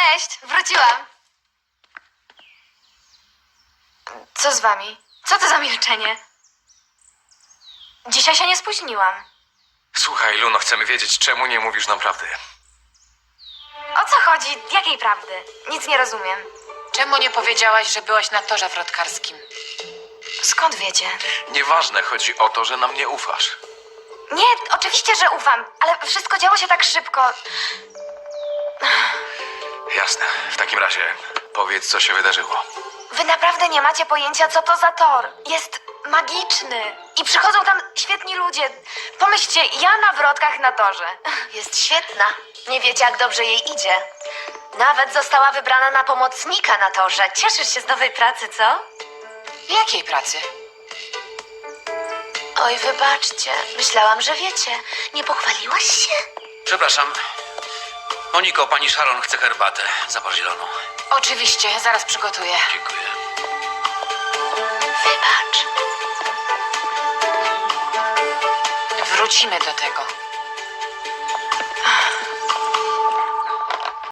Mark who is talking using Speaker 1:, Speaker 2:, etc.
Speaker 1: Cześć, wróciłam. Co z wami? Co to za milczenie? Dzisiaj się nie spóźniłam.
Speaker 2: Słuchaj, Luno, chcemy wiedzieć, czemu nie mówisz nam prawdy.
Speaker 1: O co chodzi? Jakiej prawdy? Nic nie rozumiem.
Speaker 3: Czemu nie powiedziałaś, że byłaś na torze wrotkarskim?
Speaker 1: Skąd wiecie?
Speaker 2: Nieważne, chodzi o to, że nam nie ufasz.
Speaker 1: Nie, oczywiście, że ufam, ale wszystko działo się tak szybko.
Speaker 2: Jasne. W takim razie powiedz, co się wydarzyło.
Speaker 1: Wy naprawdę nie macie pojęcia, co to za tor. Jest magiczny. I przychodzą tam świetni ludzie. Pomyślcie, ja na wrotkach na torze.
Speaker 4: Jest świetna. Nie wiecie, jak dobrze jej idzie. Nawet została wybrana na pomocnika na torze. Cieszysz się z nowej pracy, co?
Speaker 3: Jakiej pracy?
Speaker 4: Oj, wybaczcie. Myślałam, że wiecie. Nie pochwaliłaś się?
Speaker 5: Przepraszam. Moniko, pani Sharon chce herbatę. Zapal zieloną.
Speaker 3: Oczywiście, zaraz przygotuję.
Speaker 5: Dziękuję.
Speaker 4: Wybacz.
Speaker 3: Wrócimy do tego.